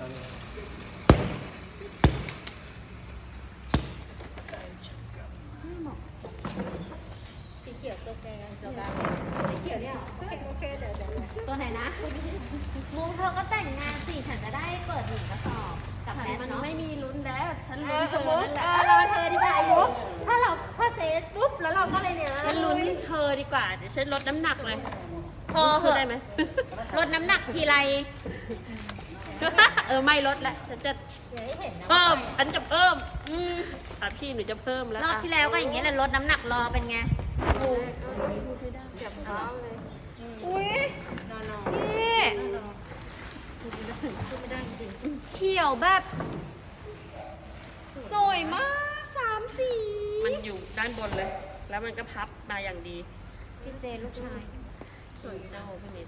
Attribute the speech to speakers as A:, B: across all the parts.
A: สีเขียวตัวแกตัวกลางสีเขียวเนี่ยโอเคเดี๋ยวตัวไหนนะมุงเธอก็แต่งงานสิฉันจะได้เปิดหนึ่งกระสอบกับแนทเนาะไม่มีลุ้นแล้วฉันลุ้นเธอนั่นแหละรอเธอดีกว่ามุกถ้าเซตปุ๊บแล้วเราก็เลยเนี่ยฉันลุ้นเธอดีกว่าเดี๋ยวฉันลดน้ำหนักเลยพอเหอะได้ไหมลดน้ำหนักทีไรไม่ลดละฉันจะเพิ่มฉันจะเพิ่มพี่หนูจะเพิ่มแล้วรอบที่แล้วก็อย่างเงี้ยแหละลดน้ำหนักรอเป็นไงอุ้ยนี่เขียวแบบสวยมาก3 สีมันอยู่ด้านบนเลยแล้วมันก็พับมาอย่างดีพี่เจลูกชายสวยเจ้าพี่นิด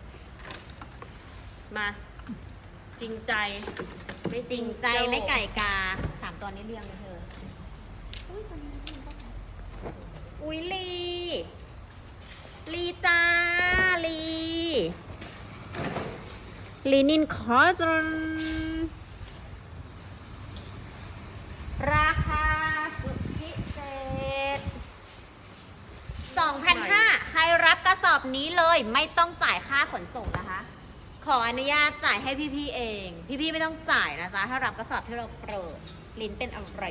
A: มาจริงใจไม่จริงใจไม่ไก่กา3 ตัวนี้เรียงเลยเธออุ้ยลีจ้าลีนินคอร์ตนราคาสุดพิเศษ 2,500 ใครรับกระสอบนี้เลยไม่ต้องจ่ายค่าขนส่งนะคะ ขออนุญาตจ่ายให้พี่ๆเองพี่ๆไม่ต้องจ่ายนะจ๊ะถ้ารับกระสอบที่เราเปิดลิ้นเป็นอะไร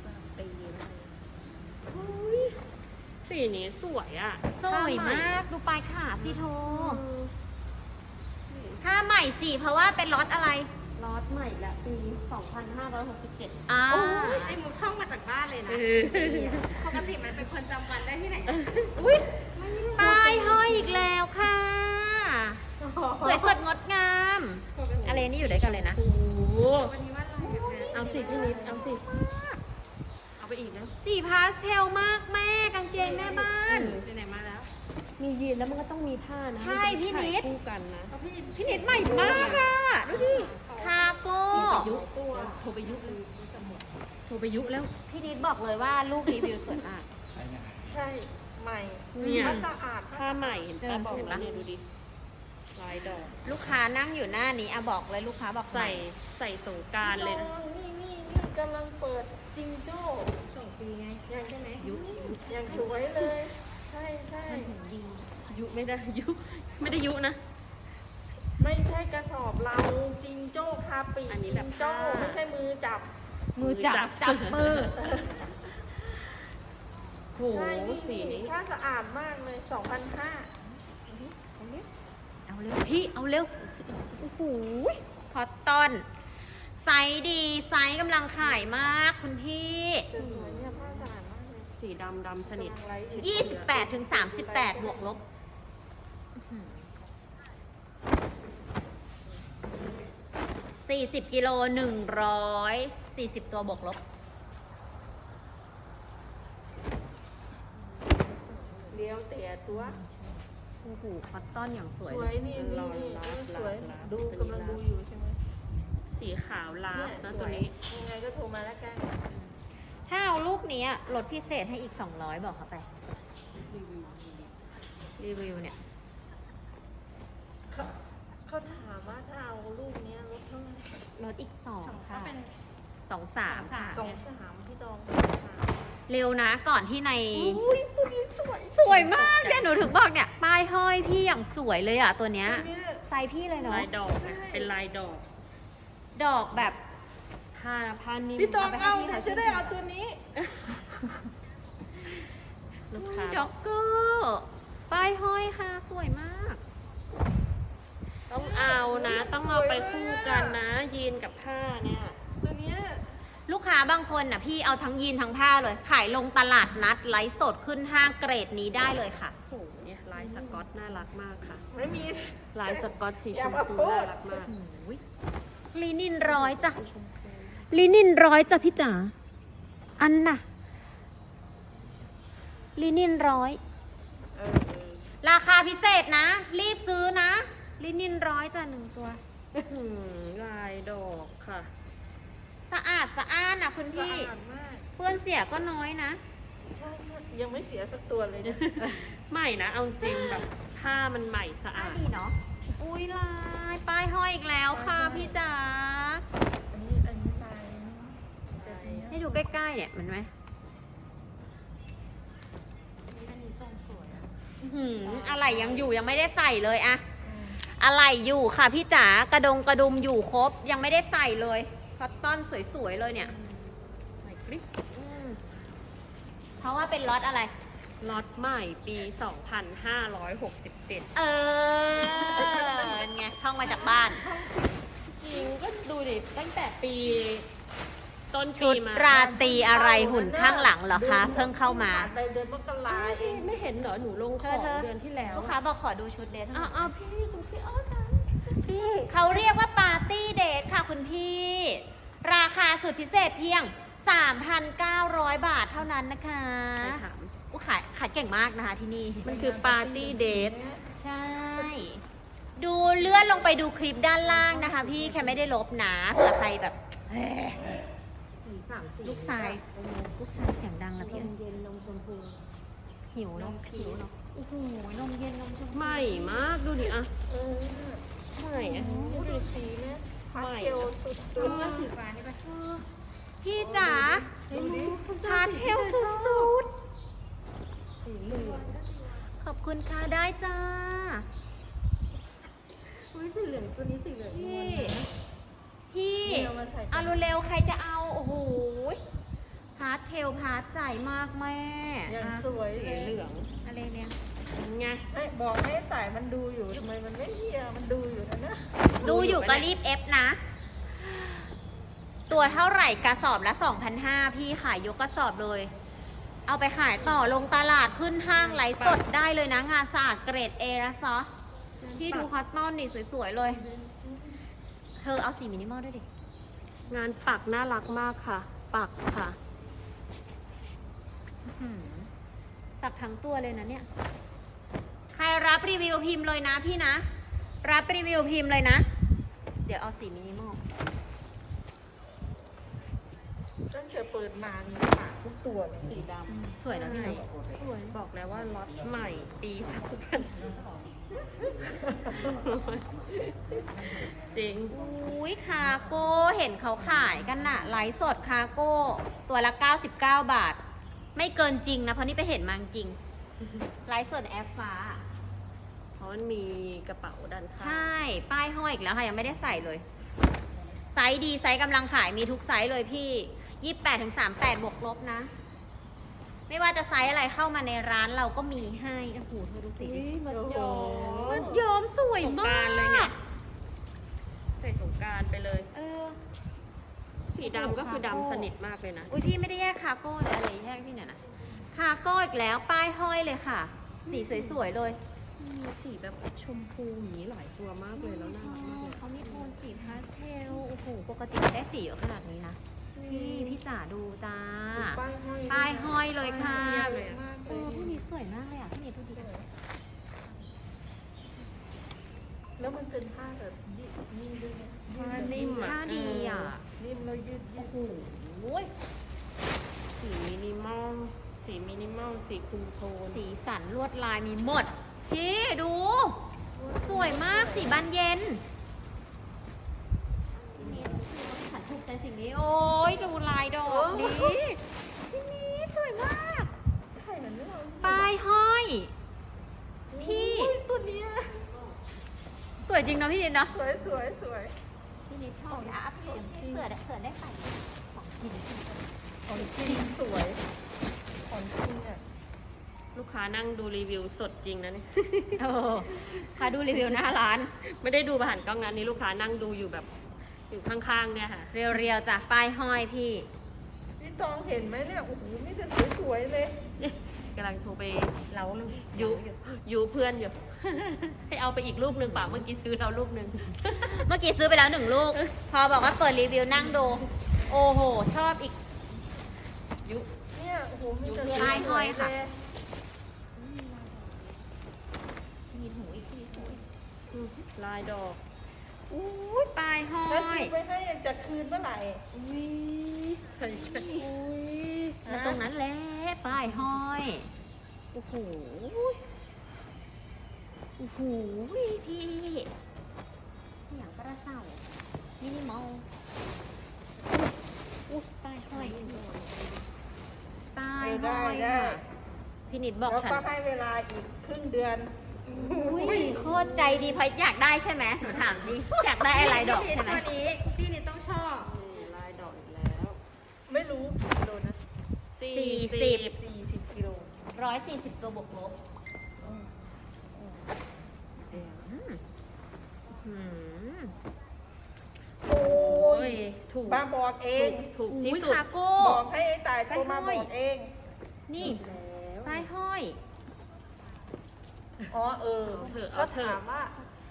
A: สีนี้สวยอ่ะสวยมากดูปลายขาสิโทถ้าใหม่สิเพราะว่าเป็นล็อตอะไรล็อตใหม่ละปี 2567ไอ้มุกท่องมาจากบ้านเลยนะปกติมันเป็นคนจำวันได้ที่ไหนอุ้ยป้ายห้อยอีกแล้วค่ะสวยสดงดงามอะไรนี่อยู่ด้วยกันเลยนะเอาสิพี่นิดเอาสิเอาไปอีกนะสีพาสเทลมากแม่กางเกงแม่บ้านไหนมาแล้วมียีนแล้วมันก็ต้องมีผ้านะใช่พี่นิดคู่กันนะพี่นิดใหม่มากอ่ะดูดิคาโก้โทรไปยุแล้วพี่นิดบอกเลยว่าลูกรีวิวสวยมาก
B: ใช่ใหม่สะอาด
A: ผ้าใหม่เห็นป้าบอกแล้วเนี่ยดูดิลายดอกลูกค้านั่งอยู่หน้านี้บอกเลยลูกค้าบอกใส่สงกรานต์เลยนะ
B: นี่กำลังเปิดจิงโจ้
A: 2 ปีไง
B: ยังใช่ไหมยังสวยเลยใช่
A: ยุไม่ได้ยุนะ
B: ไม่ใช่กระสอบเราจิงโจ้คาปี
A: อันนี้แบบ
B: โจ้ไม่ใช่มือจับ
A: มือโหสีนี้
B: ผ้าสะอาดมากเลย 2,500
A: เอาเร็วพี่เอาเร็วโอ้โหคอตตอนไซส์ดีไซส์กำลังขายมากคุณพี่
B: สวยเนี่ยผ้าสะอาดมากเลย
A: สีดำสนิท 28-38บวกลบ40 กิโล140 ตัวบวกลบ
B: เลี้ยวเตะตัว
A: โอ้โหคอตตอนอย่างสวย
B: นี่สวยดูกำลังดูอยู่ใช่ไหม
A: สีขาวลาฟนะตัวนี้
B: ยังไงก็โทรมาแล้วกัน
A: ถ้าเอาลูกนี้ลดพิเศษให้อีก200บอกเขาไปรีวิวเนี่ย
B: เขาถามว่าถ้าเอาลูกนี้ลดเท่าไหร่
A: ลดอีก2ค่ะ2-3ค่ะ
B: 2-3พี่ตอง
A: เร็วนะก่อนที่ใน
B: อุ้ยตัวนี้
A: สวยมากเนี่ยหนูถึงบอกเนี่ยป้ายห้อยพี่อย่างสวยเลยอ่ะตัวเนี้ยไซส์พี่เลยเนาะ
B: ลายดอกเป็นลาย
A: ดอกแบบผ้านิ่ม
B: พี่ตองเอาจะได้เอาตัวนี้
A: ลูกค้าด็อกเกอร์ป้ายห้อยค่ะสวยมากต้องเอานะต้องเอาไปคู่กันนะยีนกับผ้าเนี่ย
B: ตัวเนี้ย
A: ลูกค้าบางคนน่ะพี่เอาทั้งยีนทั้งผ้าเลยขายลงตลาดนัดไลฟ์สดขึ้นห้างเกรดนี้ได้เลยค่ะโอ้โหเนี่ยลายสก๊อตน่ารักมากค่ะ
B: ไม่มี
A: ลายสก๊อตสีชมพูน่ารักมากลินิน100จ้ะลินิน100จ้ะพี่จ๋าอันน่ะลินิน100ราคาพิเศษนะรีบซื้อนะลินิน100จ้ะ1 ตัวลายดอกค่ะสะอาดสะอ้านนะคุณพี่เพื่อนเสียก็น้อยนะ
B: ใช่ยังไม่เสียสักตัวเลยนะ
A: ใหม่นะเอาจริงแบบผ้ามันใหม่สะอาดดีเนาะอุ้ยลายป้ายห้อยอีกแล้วค่ะพี่จ๋า
C: ดูใกล้ๆเนี่ยเห็นไหม
A: อันนี้ทรงสวยอะ
C: อะไรยังอยู่ยังไม่ได้ใส่เลยอะอะไรอยู่ค่ะพี่จ๋ากระดุมอยู่ครบยังไม่ได้ใส่เลยคอตตอนสวยๆเลยเนี่ย
B: ใส่คลิป
C: เพราะว่าเป็นล็อตอะไร
B: ล็อตใหม่ปี 2567
C: เออไงท่องมาจากบ้าน
B: จริงก็ดูดิตั้งแต่ปีต้น
C: ชุ
B: ปี
C: ด
B: มา
C: ราตรีอะไรหุ่นข้างหลังเหรอคะ เพิ่งเข้ามา
B: ในเดือนมกราเองไม่เห็นเหรอหนูลงของ
C: เธอ
B: เดือนที่แล้ว
C: ลูกค้าบอกขอดูชุดเดท
B: อ่ะพี่คุณพี่อ้อนะ
C: พี่เขาเรียกว่าปาร์ตี้เดทค่ะคุณพี่ ราคาสุดพิเศษเพียง 3,900 บาทเท่านั้นนะคะ
B: ไปถาม
C: อู้ขายเก่งมากนะคะที่นี่
B: มันคือปาร์ตี้เดท
C: ใช่ ดูเลื่อนลงไปดูคลิปด้านล่างนะคะ พี่แค่ไม่ได้ลบนะเผื่อใครแบบเฮ้ยลูกชายเสียงดังนะพี่
A: เย็นนมชมพู
C: หิวเนาะหิวเนาะโอ้โหนมเย็นนมชมพู
B: ใหม่มากดูดิอ่ะใหม่อะดูดิสีแม่ใหม่อะ
A: สุดสีฟ้านี่ปะ
C: พี่จ๋าพาเทลสุด
B: สีเหลือง
C: ๆขอบคุณค่ะได้จ้า
A: อุ้ยสีเหลืองตัวนี้สีเหลือง
C: พี่เอาเร็วๆใครจะเอา โอ้โหพาร์ทเทลพาร์ทใจมากแม่
B: ยังสวยสีเหลือง
C: อะไรเนี่ย
B: ไง
D: บอกให้สายมันดูอยู่ทำไมมันไม่เฮียมันดูอยู่นะ
C: ดูอยู่ก็รีบเอฟนะ ตัวเท่าไหร่กระสอบละ 2,500 พี่ขายยกกระสอบเลย เอาไปขายต่อลงตลาดขึ้นห้างไลฟ์สดได้เลยนะ งานสะอาดเกรดเอนะซอพี่ดูคอตตอนนี่สวยๆเลย เธอเอาสีมินิมอลด้วยดิ
B: งานปักน่ารักมากค่ะ ปักค่ะ
C: ตักทั้งตัวเลยนะเนี่ย ใครรับรีวิวพิมพ์เลยนะพี่นะ รับรีวิวพิมพ์เลยนะ เดี๋ยวเอาสีมินิมอล
D: ตั้งแต่เปิดมามีปากทุกตัวเลย
B: สีด
C: สวยนะพี่นะ
B: ำสวยบอกแล้วว่าล็อตใหม่ปีจริง
C: อุ้ยคาโก้เห็นเขาขายกันน่ะไลฟ์สดคาโก้ตัวละ 99 บาท ไม่เกินจริงนะ เพราะนี่ไปเห็นมาจริงไลฟ์สดแอฟฟ้า
B: เพราะมันมีกระเป๋าด้านข้าง
C: ใช่ ป้ายห้อยอีกแล้วค่ะ ยังไม่ได้ใส่เลย ไซส์ดี ไซส์กำลังขายมีทุกไซส์เลยพี่ 28-38 บวกลบนะ ไม่ว่าจะไซส์อะไรเข้ามาในร้านเราก็มีให้โอ้โหเธอดูสิ
B: อุ๊ยมันยอม
C: มันย้อมสวย
B: สงก
C: มาร
B: าก นต์เลยไง
C: ก
B: ใส่สงกรารไปเลย
C: เออ
B: สีดำก็คือดำสนิทมากเลยนะ
C: อุ้ยพี่ไม่ได้แยกคาโก้เลยอะไรแยกพี่เนี่ยนะคาโก้อีกแล้วป้ายห้อยเลยค่ะ สีสวยๆเลย
B: มีสีแบบชมพูอย่างนี้หลายตัวมากเลยแล้วน่ารักมากเลย
C: เขามีโทนสีพาสเทลโอ้โหปกติได้สีเยอะขนาดนี้นะพี่จ๋าดูจ้า
D: ป้ายห้อย
C: ป้ายห้อยเลยค่ะ
B: เรียบเลยอะ
D: มากเล
C: พี่
D: ย
C: นี้สวยมากเลยอ่ะพี่นี้ดูดี
D: แล้วมันเป็นผ้าแบบนิ่มด้วยนะ
B: ผ้านิ่มอ่ะ
C: ผ้าดีอ่ะ
D: นิ่มแล้วยืด
C: โอ้โห
B: สีมินิมอล สีมินิมอล สีคุมโทน
C: สีสันลวดลายมีหมด พี่ดู สวยมากสีบานเย็นฉันถูกใจสิ่งนี้ โอ้ยดูลายดอกดีพี่นี้สวยมาก
D: ไข่มันไม่เอา
C: ป้ายห้อย พี่
D: ตัวเนี้ย
C: สวยจริงเนาะพี่นิดเนาะ
D: สวยสวยสวย
C: พี่นิดชอบอ่ะพี่เผื่อได้ใส่ของจริง
D: ของจริงสวยของจริงอ่ะ
B: ลูกค้านั่งดูรีวิวสดจริงนะเนี่ย
C: โอ้พาดูรีวิวหน้าร้าน
B: ไม่ได้ดูผ่านกล้องนะนี่ลูกค้านั่งดูอยู่แบบอยู่ข้างๆเนี่ยค่ะ
C: เรียวๆจ้ะป้ายห้อยพี่
D: พี่ตองเห็นไหมเนี่ยโอ้โหมีแต่สวยๆเลย
B: กำลังโทรไป
C: เรา
B: ยูเพื่อนอยู่ ให้เอาไปอีกลูกหนึ่งเปล่าเมื่อกี้ซื้อเราลูกหนึ่ง
C: เมื่อกี้ซื้อไปแล้ว1 ลูก พอบอกว่าเปิดรีวิวนั่งดู โอ้โห ชอบอีก
B: ยุ
D: เนี่ยโอ้โหมีแต่
C: ป้ายห้อยค่ะ
D: สวๆเล
C: มีหูอีกทีหูอีก
B: ลายดอก
C: อุ้ยป้ายห้อ
D: แล้วซื้
C: ย
D: อไปให้จะคืนเมื่อไหร่
B: อุ้ยใช่ใช่
D: อุ้ย
C: แล้วตรงนั้นแหละป้ายห้อย โอ้โห โอ้โหพี่อย่างกระเซ้ามินิมอลอุ้ยป้ายห้อยห้อยป้าย
D: ได้
C: ห้อย
D: ได้
C: ค่ะพี่นิดบอก
D: แล้ว
C: ฉัน
D: ก็ให้เวลาอีกครึ่งเดือน
C: อุ้ยโคตรใจดีพออยากได้ใช่ไหมหนูถามดิอยากได้อะไรดอกใช่ไหม
A: ตัวนี้พี่นี่ต้องชอบ
B: นี่ลายดอกอีกแล้ว
D: ไม่รู้กี่กิโลนะ
C: 40
D: 40กิโล
C: 140 ตัวบวกลบอืม
D: โอ้
B: โอ้
D: ย
B: ยถูก
D: ป้าบอกเอง
B: ถูกที่
C: อุ้ย
B: สุด
C: คาโก้
D: บอกให้ไอ้ตายโทรมาบอกเอง
C: นี่ป้ายห้อย
D: อ๋อเออ
B: เอาเถอะ
D: เขาถามว่า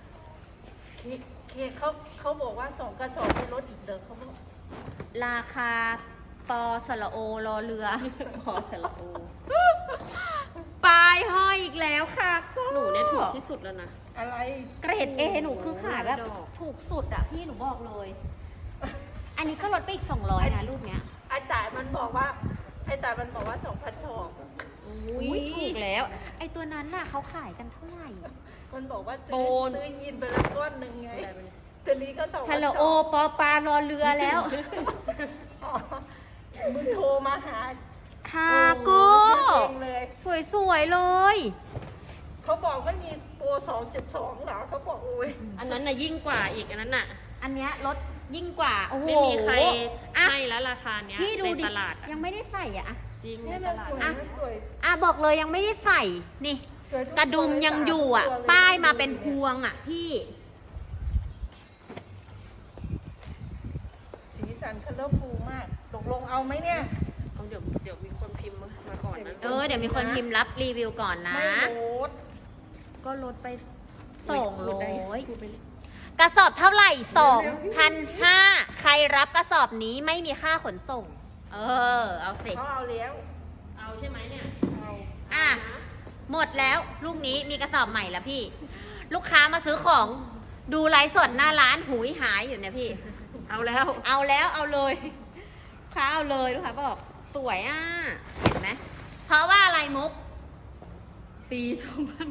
D: เขาบอกว่า2 กระสอบไม่ลดอีกเด้อเขาบอก
C: ราคาปอสระโอรอเรือ
B: พอสระโอ
C: ป้ายห้อยอีกแล้วค่ะก็
B: หนูเนี่ยถูกที่สุดแล้วนะ
D: อะไร
C: เกรด A หนูคือขายแบบ
B: ดอก
C: ถูกสุดอะพี่หนูบอกเลย อันนี้ก็ลดไปอีก200นะรูปเนี้ย
D: ไอ้ตายมันบอกว่า2,000ชอบ
C: อุ้ยถูกแล้ว ไอตัวนั้นน่ะเขาขายกันเท่าไหร่
D: มันบอกว่า
B: โป
D: ซื้อยีนไปแล้วก้อนหนึ่งไงตัวนี้ก็2,000
C: ชะละโอปอปลารอเรือแล้ว
D: อ๋อมึงโทรมาหา
C: คาโก้
D: เองเลย
C: สวยๆเลย
D: เขาบอกไม่มีโปร272เหรอเขาบอกโอ้ย
B: อันนั้นน่ะยิ่งกว่าอีกอันนั้นน่ะ
C: อันเนี้ยลดยิ่งกว่า โอ้โห
B: ไม่มีใคร
C: อ่ะ
B: ให้แล้วราคาเนี้ย
C: พี่ดู
B: ใน
C: ดิ
B: ตลาดอะ
C: ยังไม่ได้ใส่อะ
B: จริงใน
D: เนี่ย
B: ต
D: มัน
B: ลา
D: ส
B: ด
D: วย
B: อะ
D: มันสวย
C: อ่ะบอกเลยยังไม่ได้ใส่ นี่
D: สวยทุ
C: กระดุมยังอยู่อ่ะ
D: ตัวเล
C: ป้ายมาเป็นพวงอ่ะพี่
D: สีสันคัลเลอร์ฟูลมากตกลงเอาไหมเนี่ย
B: เอาเดี๋ยวมีคนพิมพ์มาก่อนนะ
C: เดี๋ยวมีคนพิมพ์รับรีวิวก่อนนะ
D: ไม่ลด
C: ก็ลดไป
B: พูดไป
C: 200 กระสอบเท่าไหร่ 2,500 ใครรับกระสอบนี้ไม่มีค่าขนส่ง เอาสิ
D: เขาเอาแล้ว
B: เอาใช่ไหมเนี่ย
D: เอา
C: อ่ะ หมดแล้วลูกนี้มีกระสอบใหม่แล้วพี่ ลูกค้ามาซื้อของดูไลฟ์สดหน้าร้านหูยหายอยู่เนี่ยพี่
B: เอาแล้ว
C: เอาแล้วเอาเลยลูกค้าเอาเลยลูกค้าบอกสวยอ่ะ เห็นไหมเพราะว่าอะไรมุก
B: ปี2000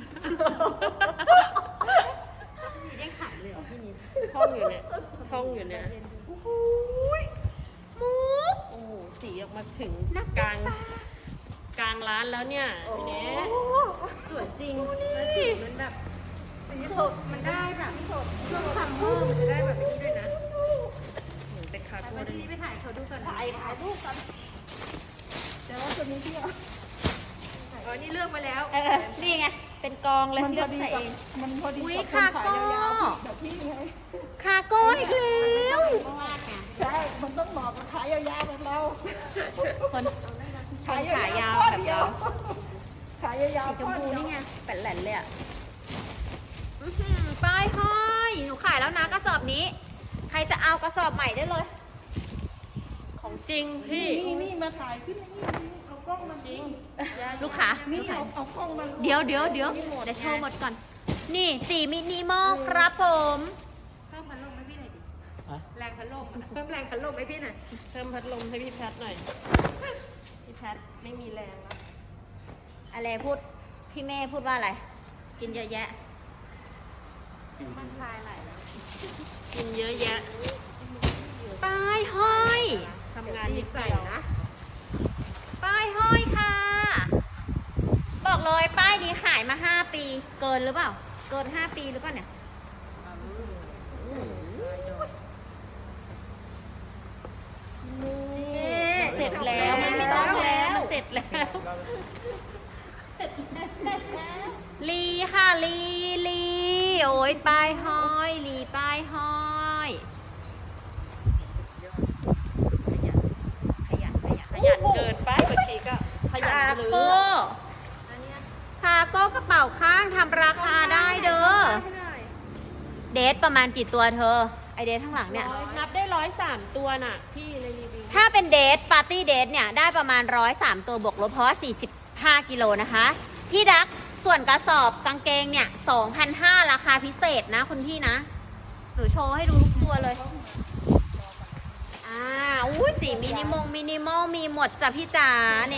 C: ยังขายเลยเหรอพี่นิด
B: ท่องอยู่เนี่ยท่องอยู่เนี่ย
C: มุก
B: โอ้โหสีออกมาถึงกลางร้านแล้วเนี่ยพี่เนส
C: สวยจริง
B: แล้วสีมันแบบ
D: สีสดมันได้แบบสด
C: ช่วงซัมเมอร์มันจะได้แบบนี้ด้วยนะ
B: เหมือนเป็นคาโก้ด้วย
C: พี่ไปถ่ายเขาดูก่อน
D: ถ่ายรูปกันแต่ว่าตัวนี้พี่เอา
B: อ๋อนี่เลือกไปแล้ว
C: นี่ไง เป็นกองเลย
D: มัน
C: เลื
D: พ
C: อ
D: อก ดี
C: ใส่
D: กับ
C: เอง
D: มันพอดี
C: อุ๊ย
D: กับคน
C: คาโก้
D: ขายยาวๆแบบพี่ไง
C: คาโก้อีกแล้ว
D: ใช่มันต้องเหมาะกับขายยาวๆแบบเรา
C: คนขายาวแบบเรา
D: ขายยาว
C: สี
D: ๆ
C: ชมพู
D: ข้อเดียว
C: นี่ไงแป่นแหลนเลยอ่ะอื้อหือป้ายห้อยหนูขายแล้วนะกระสอบนี้ ใครจะเอากระสอบใหม่ได้เลย
B: ของจริงพี่
D: นี่มาถ่ายขึ้นนี่เอากล้องมาจริง
C: ลูกค้า
D: นี่เอากล้องมา
C: เดี๋ยวโชว์หมดก่อน นี่สีมินิมอลครับผม
A: เพิ่มพัดลมให้พี่หน่อยดิ แรงพัดลมเพิ่มแรงพัดลมให้พี่หน่อย
B: เพิ่มพัดลมให้พี่แพทหน่อย พี่แพทไม่มีแรงแล้ว
C: อะไรพูด พี่เม่พูดว่าอะไร กินเยอะแยะ
A: มันคลายไหลแล้ว
B: กินเยอะแยะ
C: ป้ายห้อย
B: ทำงานนิด
A: ใส่
B: เดียว
A: นะ
C: ป้ายห้อยค่ะ บอกเลยป้ายนี้ขายมา 5 ปี เกินหรือเปล่า เกิน 5 ปีหรือเปล่าเนี่ย
B: เสร็จแล้ว
C: ไม่ต้องแล้ว
B: เสร็จแล้ว
C: ลีค่ะลีโอ้ยป้ายห้อยลีป้ายห้อยขยัน
B: ขยันเกินไปบางทีก็ขยัน
C: คา
B: ลือ
C: โก้คาโก้กระเป๋าข้างทำราคาได้เด้อ เดทประมาณกี่ตัวเธอ ไอเดทข้างหลังเนี่ย
B: นับได้103ตัวน่ะ พี่ในรีวิว
C: ถ้าเป็นเดทปาร์ตี้เดทเนี่ย ได้ประมาณ103ตัวบวกลบเพราะว่า45 กิโลนะคะ พี่ดักส่วนกระสอบกางเกงเนี่ย 2,500 ราคาพิเศษนะคุณพี่นะ หนูโชว์ให้ดูทุกตัวเลย อุ้ยสีมินิมอลมีหมดจ้ะพี่จ๋านี่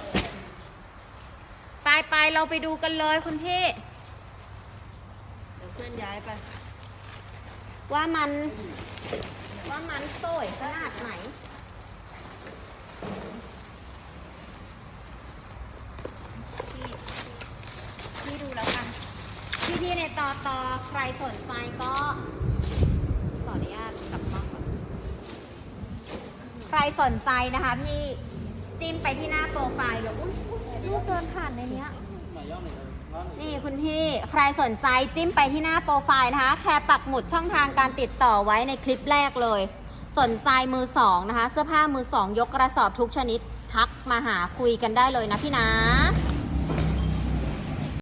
C: ไปเราไปดูกันเลยคุณพี่
B: เดี๋ยวเพื่อนย้ายไป
C: ว่ามันสวยขนาดไหนพี่ดูแล้วกัน พี่ในตอใครสนใจก็ขออนุญาตกลับมาก่อนใครสนใจนะคะพี่จิ้มไปที่หน้าโปรไฟล์เลยอุ๊ยลูกเดินผ่านในเนี้ยนี่คุณพี่ใครสนใจจิ้มไปที่หน้าโปรไฟล์นะคะแค่ปักหมุดช่องทางการติดต่อไว้ในคลิปแรกเลย สนใจมือสองนะคะเสื้อผ้ามือสองยกกระสอบทุกชนิดทักมาหาคุยกันได้เลยนะพี่นะ